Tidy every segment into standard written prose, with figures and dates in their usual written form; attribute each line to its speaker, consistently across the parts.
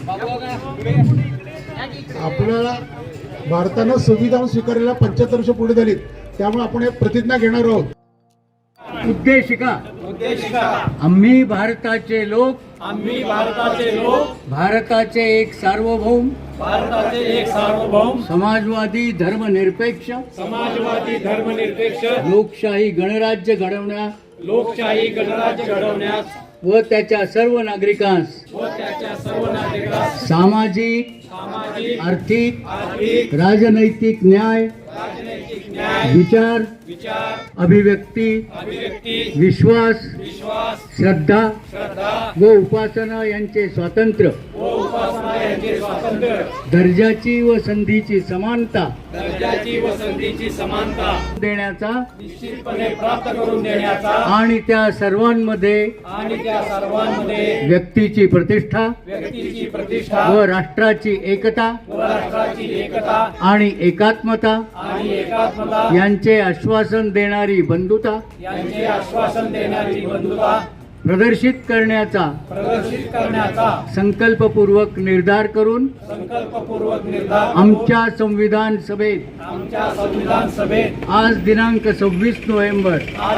Speaker 1: आपल्याला भारतानं संविधान स्वीकारलेला 75 वर्ष पूर्ण झालीत, त्यामुळे आपण एक प्रतिज्ञा घेणार आहोत.
Speaker 2: उद्देशिका आम्ही भारताचे लोक भारताचे एक सार्वभौम समाजवादी धर्मनिरपेक्ष लोकशाही गणराज्य घडवण्यास व त्याच्या सर्व नागरिकांस सामाजिक आर्थिक राजनैतिक न्याय विचार अभिव्यक्ती विश्वास श्रद्धा व उपासना यांचे स्वातंत्र्य दर्जाची व संधीची समानता देण्याचा
Speaker 3: निश्चितपणे प्राप्त करून देण्याचा
Speaker 2: आणि त्या सर्वांमध्ये व्यक्तीची प्रतिष्ठा व राष्ट्राची एकता आणि एकात्मता यांचे आश्वासन देणारी बंधुता प्रदर्शित करण्याचा संकल्पपूर्वक निर्धार करून आमच्या संविधान सभेत आज दिनांक 26 नोव्हेंबर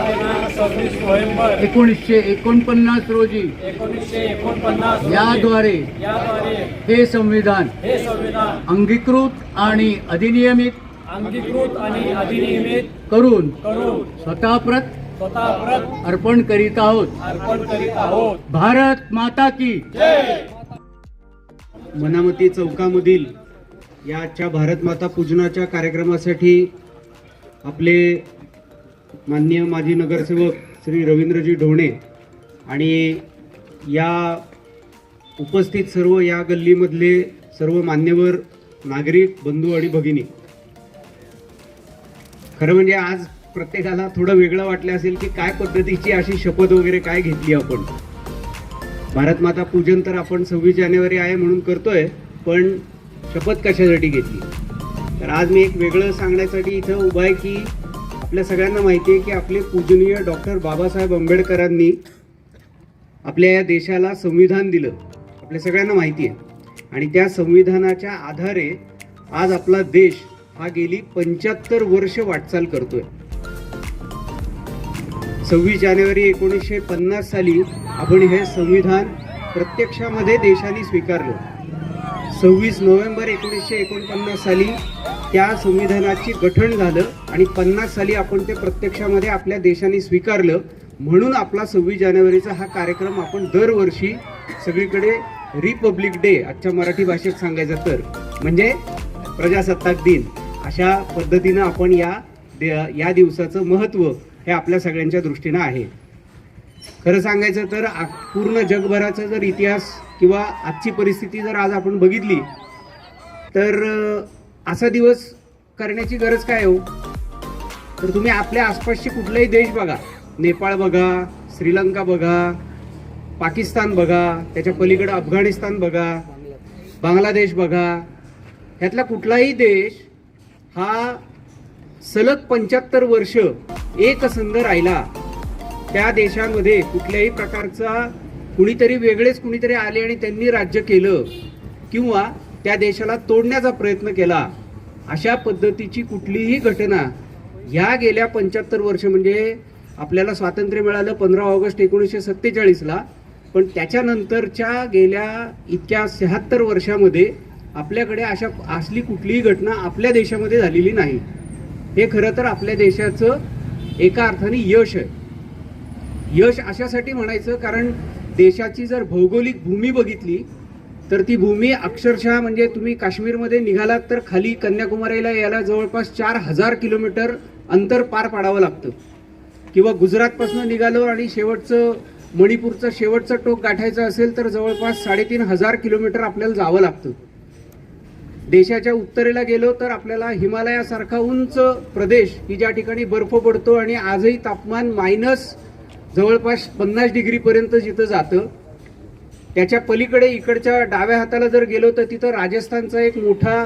Speaker 2: 1949 रोजी याद्वारे हे संविधान अंगीकृत आणि अधिनियमित करून स्वतःप्रत अर्पण करीत आहोत. भारत माता की
Speaker 4: मनामती चौकामधील या आजच्या भारत माता पूजनाच्या कार्यक्रमासाठी आपले माननीय माजी नगरसेवक श्री रवींद्रजी ढोणे आणि या उपस्थित सर्व या गल्लीमधले सर्व मान्यवर नागरिक बंधू आणि भगिनी, खरं म्हणजे आज प्रत्येकाला थोडं वेगळं वाटलं असेल की काय पद्धतीची अशी शपथ वगैरे काय घेतली आपण. भारत माता पूजन तर आपण 26 जानेवारी आहे म्हणून करतोय, पण शपथ कशासाठी घेतली. तर आज मी एक वेगळं सांगण्यासाठी इथं उभा आहे की आपल्या सगळ्यांना माहिती आहे की आपले पूजनीय डॉक्टर बाबासाहेब आंबेडकरांनी आपल्या या देशाला संविधान दिलं, आपल्या सगळ्यांना माहिती आहे. आणि त्या संविधानाच्या आधारे आज आपला देश हा गेली 75 वर्ष वाटचाल करतोय. 26 जानेवारी 1950 साली आपण हे संविधान प्रत्यक्षामध्ये देशाने स्वीकारलं. 26 नोव्हेंबर 1949 साली त्या संविधानाची गठन झालं आणि 50 साली आपण ते प्रत्यक्षामध्ये आपल्या देशाने स्वीकारलं. म्हणून आपला 26 जानेवारीचा हा कार्यक्रम आपण दरवर्षी सगळीकडे रिपब्लिक डे, आजच्या मराठी भाषेत सांगायचं तर म्हणजे प्रजासत्ताक दिन, अशा पद्धतीनं आपण या दिवसाचं महत्त्व हे आपल्या सगळ्यांच्या दृष्टीनं आहे. खरं सांगायचं तर पूर्ण जगभराचा जर इतिहास किंवा आजची परिस्थिती जर आज आपण बघितली तर असा दिवस करण्याची गरज काय हो. तर तुम्ही आपल्या आसपासचे कुठलाही देश बघा, नेपाळ बघा, श्रीलंका बघा, पाकिस्तान बघा, त्याच्या पलीकडे अफगाणिस्तान बघा, बांगलादेश बघा, ह्यातला कुठलाही देश हा सलग 75 वर्ष एकसंध राहिला. त्या देशामध्ये कुठल्याही प्रकारचा कुणीतरी वेगळेच कुणीतरी आले आणि त्यांनी राज्य केलं किंवा त्या देशाला तोडण्याचा प्रयत्न केला, अशा पद्धतीची कुठलीही घटना ह्या गेल्या 75 वर्ष, म्हणजे आपल्याला स्वातंत्र्य मिळालं 15 ऑगस्ट 1947ला, पण त्याच्यानंतरच्या गेल्या इतक्या 76 वर्षामध्ये आपल्याकडे असली कुठलीही घटना आपल्या देशामध्ये झालेली नाही. हे खरं तर आपल्या देशाचं एका अर्थाने यश आहे. यश अशासाठी म्हणायचं कारण देशाची जर भौगोलिक भूमी बघितली तर ती भूमी अक्षरशः म्हणजे तुम्ही काश्मीरमध्ये निघालात तर खाली कन्याकुमारीला यायला जवळपास 4000 किलोमीटर अंतर पार पाडावं लागतं, किंवा गुजरातपासून निघालो आणि शेवटचं मणिपूरचं शेवटचं टोक गाठायचं असेल तर जवळपास 3500 किलोमीटर आपल्याला जावं लागतं. देशाच्या उत्तरेला गेलो तर आपल्याला हिमालयासारखा उंच प्रदेश की ज्या ठिकाणी बर्फ पडतो आणि आजही तापमान मायनस जवळपास 50 डिग्रीपर्यंत जिथं जातं. त्याच्या पलीकडे इकडच्या डाव्या हाताला जर गेलो तर तिथं राजस्थानचा एक मोठा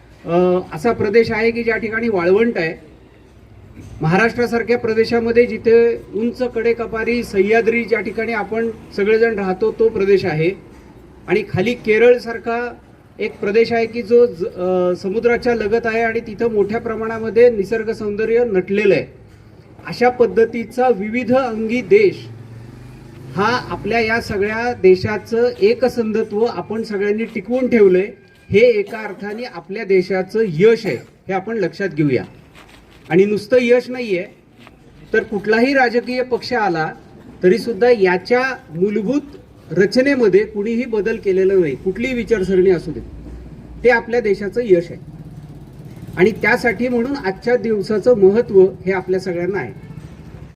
Speaker 4: असा प्रदेश आहे की ज्या ठिकाणी वाळवंट आहे. महाराष्ट्रासारख्या प्रदेशामध्ये जिथे उंच कडेकपारी सह्याद्री ज्या ठिकाणी आपण सगळेजण राहतो तो प्रदेश आहे. आणि खाली केरळसारखा एक प्रदेश आहे की जो समुद्राच्या लगत आहे आणि तिथं मोठ्या प्रमाणामध्ये निसर्ग सौंदर्य नटलेलं आहे. अशा पद्धतीचा विविध अंगी देश हा आपल्या या सगळ्या देशाचं एकसंधत्व आपण सगळ्यांनी टिकवून ठेवलंय. हे एका अर्थाने आपल्या देशाचं यश आहे, हे आपण लक्षात घेऊया. आणि नुसतं यश नाहीये, तर कुठलाही राजकीय पक्ष आला तरी सुद्धा याच्या मूलभूत रचनेमध्ये कुणीही बदल केलेला नाही, कुठलीही विचारसरणी असू दे, ते आपल्या देशाचं यश आहे. आणि त्यासाठी म्हणून आजच्या दिवसाचं महत्त्व हे आपल्या सगळ्यांना आहे.